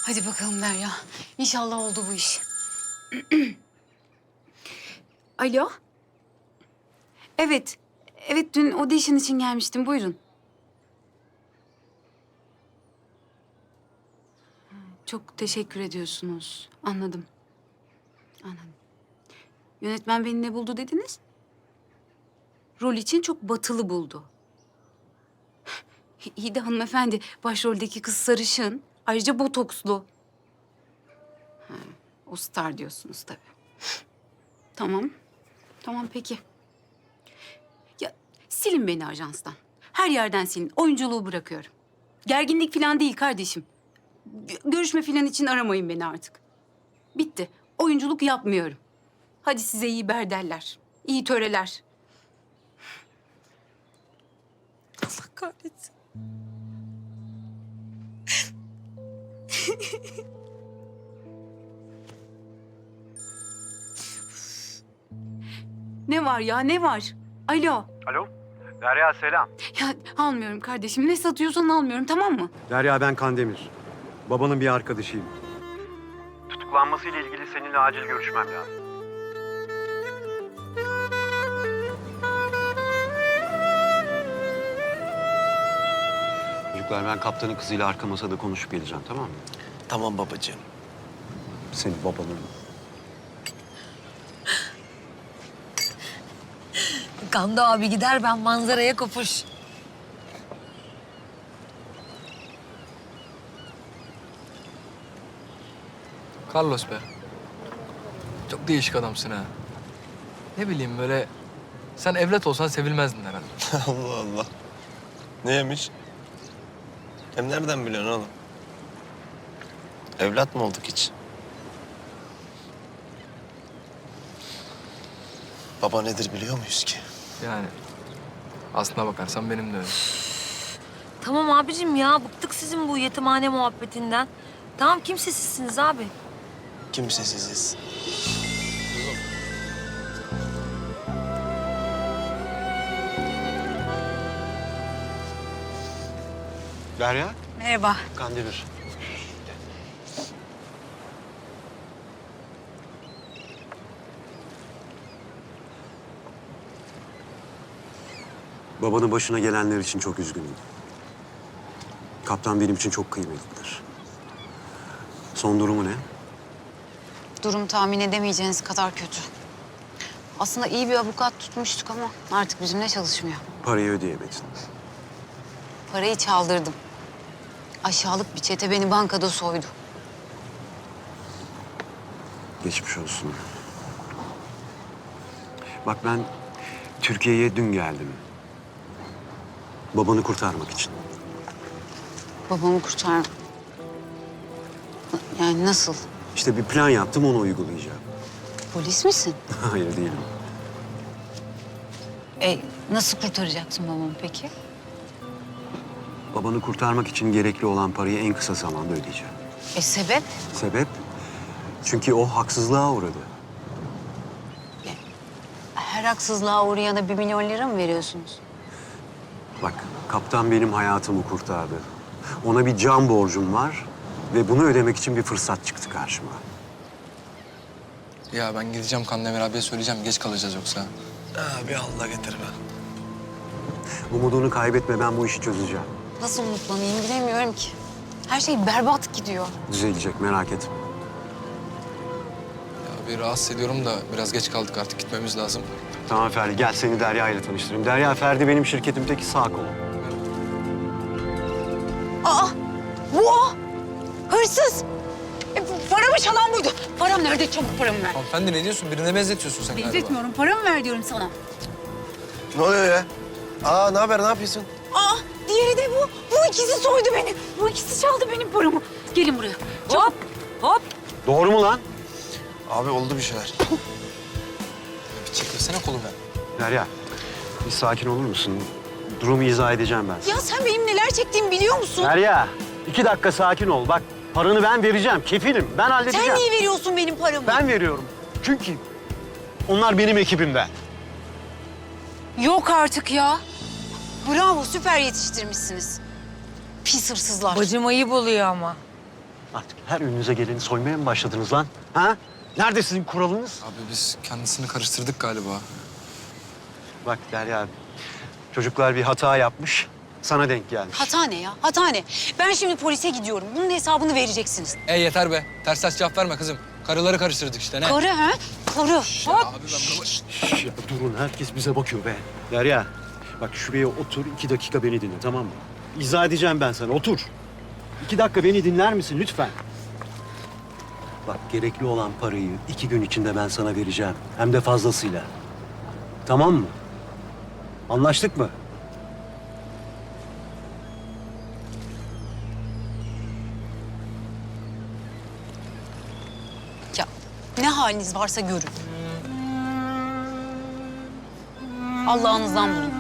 Hadi bakalım Derya. İnşallah oldu bu iş. Alo. Evet. Evet, dün audition için gelmiştim. Buyurun. Çok teşekkür ediyorsunuz. Anladım. Anladım. Yönetmen beni ne buldu dediniz? Rol için çok batılı buldu. İyi de hanımefendi, başroldeki kız sarışın. Ayrıca botokslu. Ha, o star diyorsunuz tabii. Tamam. Tamam peki. Ya silin beni ajanstan. Her yerden silin. Oyunculuğu bırakıyorum. Gerginlik falan değil kardeşim. Görüşme falan için aramayın beni artık. Bitti. Oyunculuk yapmıyorum. Hadi size iyi berderler. İyi töreler. Allah kahretsin. Ne var ya, ne var? Alo. Alo, Derya selam. Ya almıyorum kardeşim. Ne satıyorsan almıyorum, tamam mı? Derya ben Kandemir. Babanın bir arkadaşıyım. Tutuklanmasıyla ilgili seninle acil görüşmem lazım. Çocuklar ben kaptanın kızıyla arka masada konuşup geleceğim, tamam mı? Tamam babacığım. Senin babanın. Gamze abi gider, ben manzaraya kopuş. Carlos be. Çok değişik adamsın ha. Ne bileyim böyle... Sen evlat olsan sevilmezdin herhalde. Allah Allah. Neymiş? Hem nereden biliyorsun oğlum? Evlat mı olduk hiç? Baba nedir biliyor muyuz ki? Yani aslına bakarsan benim de öyle. Tamam abicim ya, bıktık sizin bu yetimhane muhabbetinden. Tamam, kimsesizsiniz abi. Kimsesiziz. Derya, Merhaba. Kandemir. Babanın başına gelenler için çok üzgünüm. Kaptan benim için çok kıymetlidir. Son durumu ne? Durum tahmin edemeyeceğiniz kadar kötü. Aslında iyi bir avukat tutmuştuk ama artık bizimle çalışmıyor. Parayı ödeyemedin. Parayı çaldırdım. Aşağılık bir çete beni bankada soydu. Geçmiş olsun. Bak ben Türkiye'ye dün geldim. Babanı kurtarmak için. Babamı kurtar... Yani nasıl? İşte bir plan yaptım, onu uygulayacağım. Polis misin? Hayır değilim. Nasıl kurtaracaksın babamı peki? Babanı kurtarmak için gerekli olan parayı en kısa zamanda ödeyeceğim. Sebep? Sebep? Çünkü o haksızlığa uğradı. Her haksızlığa uğrayana 1 milyon lira mı veriyorsunuz? Bak, kaptan benim hayatımı kurtardı. Ona bir can borcum var ve bunu ödemek için bir fırsat çıktı karşıma. Ya ben gideceğim Kandemir abiye söyleyeceğim, geç kalacağız yoksa. Abi Allah getirme. Umudunu kaybetme, ben bu işi çözeceğim. Nasıl umutlanayım bilemiyorum ki. Her şey berbat gidiyor. Düzelecek, merak etme. Ya bir rahatsız ediyorum da biraz geç kaldık, artık gitmemiz lazım. Tamam Ferdi, gel seni Derya ile tanıştırayım. Derya, Ferdi benim şirketimdeki sağ kolum. Aa! Bu o! Hırsız! Paramı çalan buydu. Param nerede? Çabuk paramı ver. Hanımefendi ne diyorsun? Birine benzetiyorsun sen galiba. Benzetmiyorum. Paramı ver diyorum sana. Ne oluyor ya? Aa ne haber, ne yapıyorsun? Aa! Diğeri de bu. Bu ikisi soydu beni. Bu ikisi çaldı benim paramı. Gelin buraya. Hop! Hop! Doğru mu lan? Abi oldu bir şeyler. Bir çekilsene kolumu. Derya, bir sakin olur musun? Durumu izah edeceğim ben sana. Ya sen benim neler çektiğimi biliyor musun? Derya, 2 dakika sakin ol. Bak, paranı ben vereceğim, kefilim. Ben halledeceğim. Sen niye veriyorsun benim paramı? Ben veriyorum. Çünkü onlar benim ekibimden. Yok artık ya. Bravo, süper yetiştirmişsiniz. Pis hırsızlar. Bacım ayıp oluyor ama. Artık her önünüze geleni soymaya mı başladınız lan? Ha? Nerede sizin kuralınız? Abi biz kendisini karıştırdık galiba. Bak Derya, çocuklar bir hata yapmış, sana denk gelmiş. Hata ne ya? Hata ne? Ben şimdi polise gidiyorum. Bunun hesabını vereceksiniz. Yeter be. Ters ters cevap verme kızım. Karıları karıştırdık işte ne? Karı ha? Karı. Hop. Abi ben bunu... Şş, ya durun, herkes bize bakıyor be. Derya, bak şuraya otur, 2 dakika beni dinle, tamam mı? İzah edeceğim ben sana, otur. 2 dakika beni dinler misin lütfen? Bak, gerekli olan parayı 2 gün içinde ben sana vereceğim. Hem de fazlasıyla. Tamam mı? Anlaştık mı? Ya ne haliniz varsa görün. Allah'ınızdan bulun.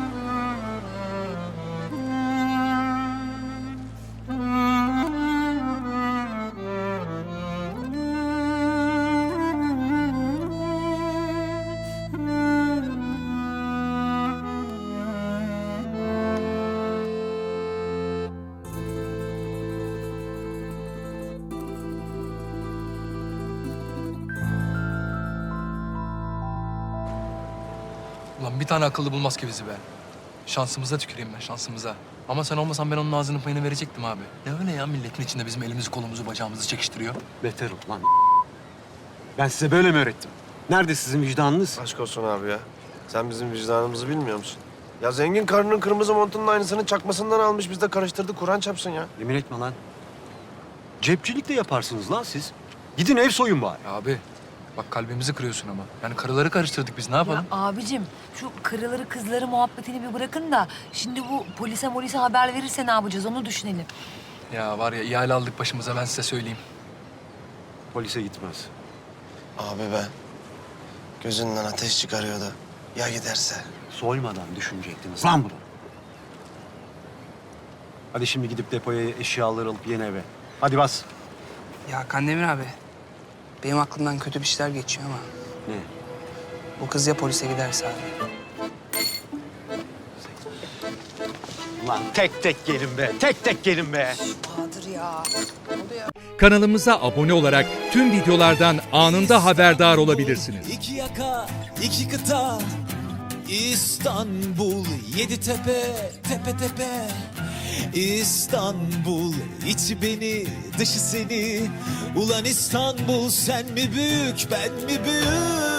Ulan bir tane akıllı bulmaz ki bizi be. Şansımıza tüküreyim ben, şansımıza. Ama sen olmasan ben onun ağzının payını verecektim abi. Ne öyle ya, milletin içinde bizim elimizi kolumuzu bacağımızı çekiştiriyor. Beter ol lan. Ben size böyle mi öğrettim? Nerede sizin vicdanınız? Aşk olsun abi ya. Sen bizim vicdanımızı bilmiyor musun? Ya zengin karının kırmızı montunun aynısını çakmasından almış. Biz de karıştırdık. Kur'an çarpsın ya. Yemin etme lan. Cepçilik de yaparsınız lan siz. Gidin ev soyun bari. Ya abi, bak kalbimizi kırıyorsun ama. Yani karıları karıştırdık biz, ne yapalım? Ya abicim şu karıları kızları muhabbetini bir bırakın da şimdi bu polise haber verirse ne yapacağız onu düşünelim. Ya var ya, ihale aldık başımıza, ben size söyleyeyim. Polise gitmez. Abi be. Gözünden ateş çıkarıyordu. Ya giderse? Soymadan düşünecektiniz lan bunu. Hadi şimdi gidip depoya eşyaları alıp yeni eve. Hadi bas. Ya Kandemir abi, benim aklımdan kötü bir şeyler geçiyor ama Ne? bu kız ya polise giderse abi. Ulan tek tek gelin be. Tek tek gelin be. Bahadır ya. Kanalımıza abone olarak tüm videolardan anında haberdar olabilirsiniz. İki yaka, iki kıta, İstanbul, 7 tepe, tepe tepe. İstanbul, içi beni, dışı seni. Ulan İstanbul, sen mi büyük, ben mi büyük?